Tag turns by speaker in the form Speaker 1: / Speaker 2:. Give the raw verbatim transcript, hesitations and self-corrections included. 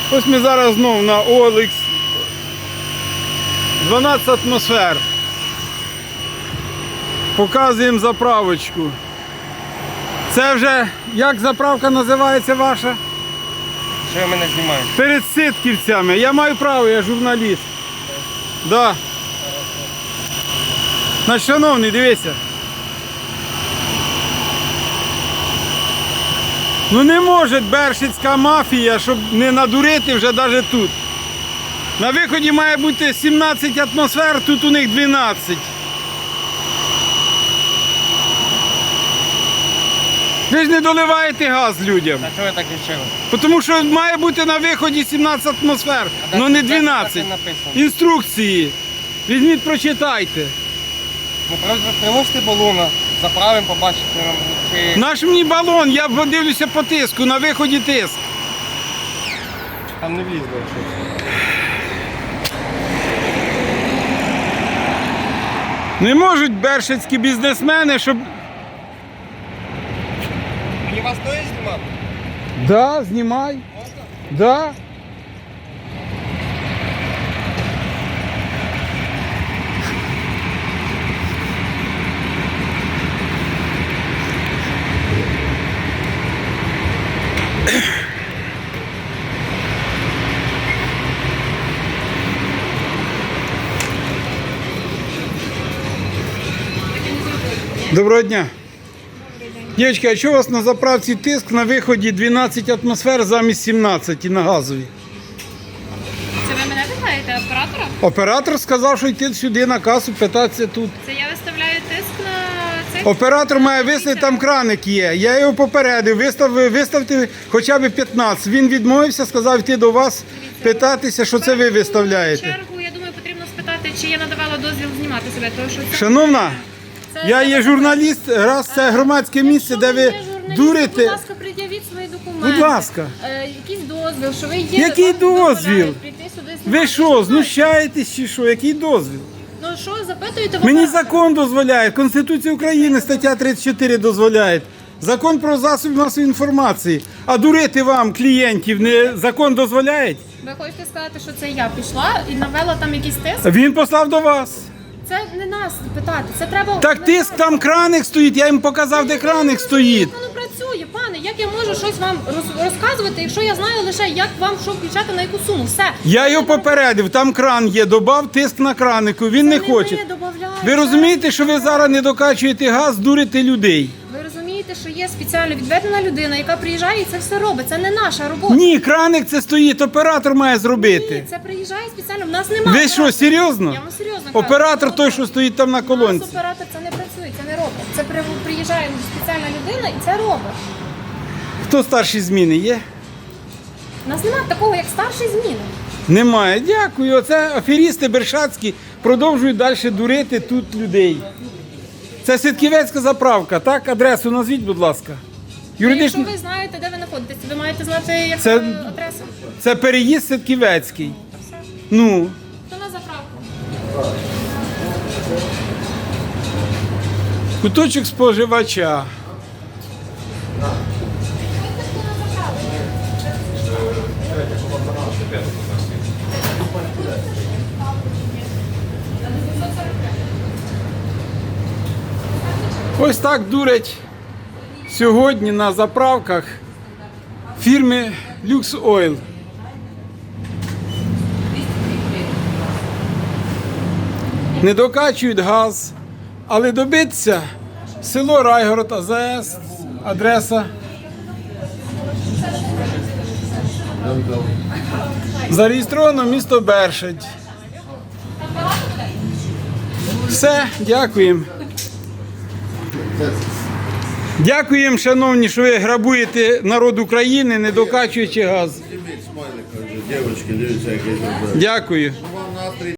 Speaker 1: Ось ми зараз знову на о ел ікс. дванадцять атмосфер. Показуємо заправочку. Це вже, як заправка називається ваша?
Speaker 2: Що ви мене знімаєте?
Speaker 1: Перед Ситківцями. Я маю право, я журналіст. Да. Значить, шановний, дивися. Ну не може бершицька мафія, щоб не надурити вже навіть тут. На виході має бути сімнадцять атмосфер, тут у них дванадцять. Ви ж не доливаєте газ людям.
Speaker 2: А чого ви так вирішили?
Speaker 1: Тому що має бути на виході сімнадцять атмосфер, але не дванадцять. Інструкції. Візьміть, прочитайте.
Speaker 2: Ну, привозьте балона, заправимо, побачите. Чи...
Speaker 1: Наш мені балон, я дивлюся по тиску, на виході тиск.
Speaker 2: Там не влізло щось.
Speaker 1: Не можуть бершицькі бізнесмени, щоб...
Speaker 2: Мені вас стоїть знімати?
Speaker 1: Да, знімай. Да. Доброго дня. Дівчатки, а чого у вас на заправці тиск на виході дванадцять атмосфер замість сімнадцяти на газовій?
Speaker 3: Це ви мене питаєте, оператора?
Speaker 1: Оператор сказав, що йти сюди на касу, питатися тут.
Speaker 3: Це я виставляю тиск на цей...
Speaker 1: Оператор має виставити, там краник є. Я його попередив, вистав, виставте хоча б п'ятнадцять. Він відмовився, сказав йти до вас, питатися, що це ви виставляєте.
Speaker 3: В чергу, я думаю, потрібно спитати, чи я надавала дозвіл знімати себе. Тому що це...
Speaker 1: Шановна,
Speaker 3: це...
Speaker 1: я є журналіст, раз це громадське місце, де ви дурите.
Speaker 3: Будь ласка, пред'явіть свої документи.
Speaker 1: Будь ласка.
Speaker 3: Е, якийсь дозвіл, що ви є...
Speaker 1: Який
Speaker 3: вам дозволяють
Speaker 1: дозвіл?
Speaker 3: прийти сюди
Speaker 1: Ви
Speaker 3: знімати.
Speaker 1: що,
Speaker 3: знаєте?
Speaker 1: знущаєтесь чи що? Який дозвіл?
Speaker 3: Ну що, запитуєте в
Speaker 1: Мені
Speaker 3: оператора?
Speaker 1: закон дозволяє, Конституція України, стаття тридцять чотири дозволяє. Закон про засоби масової інформації. А дурити вам, клієнтів, не закон дозволяє?
Speaker 3: Ви хочете сказати, що це я пішла і навела там якийсь тиск?
Speaker 1: Він послав до вас.
Speaker 3: Це не нас питати, це треба...
Speaker 1: Так тиск, там краник стоїть, я їм показав, де краник стоїть.
Speaker 3: Як воно працює, пане? Як я можу щось вам роз- розказувати, якщо я знаю лише, як вам що включати на яку суму? Все.
Speaker 1: Я його попередив, там кран є, добав тиск на кранику, він не
Speaker 3: Це
Speaker 1: хоче.
Speaker 3: ви добавляєте.
Speaker 1: Ви розумієте, що ви зараз не докачуєте газ, дурите людей?
Speaker 3: Ви розумієте, що є спеціально відведена людина, яка приїжджає і це все робить. Це не наша робота.
Speaker 1: Ні, краник це стоїть, оператор має зробити.
Speaker 3: Ні, це приїжджає спеціально. В нас немає.
Speaker 1: Ви що, серйозно?
Speaker 3: Я вам серйозно кажу.
Speaker 1: Оператор той, що стоїть там на
Speaker 3: У нас
Speaker 1: колонці.
Speaker 3: оператор це не працює, це не робить. Це при- приїжджає спеціальна людина і це робить.
Speaker 1: Хто старші зміни є?
Speaker 3: У нас немає такого, як старший зміни.
Speaker 1: Немає. Дякую. Оце аферісти бершацькі продовжують далі дурити тут людей. Це Ситківецька заправка, так? Адресу назвіть, будь ласка. Юридично.
Speaker 3: Якщо ви знаєте, де ви знаходитесь, ви маєте знати, як
Speaker 1: Це-
Speaker 3: е, адресу.
Speaker 1: Це переїзд Ситківецький. Ну,
Speaker 3: То на заправку.
Speaker 1: куточок споживача. Ось так дурять сьогодні на заправках фірми Lux Oil. Не докачують газ, але добитися село Райгород, А З С, адреса. Зареєстровано місто Бершадь. Все, дякуємо. Дякуємо, шановні, що ви грабуєте народ України, не докачуючи газ.
Speaker 4: Дівчатки, дивіться, як я зробив.
Speaker 1: Дякую.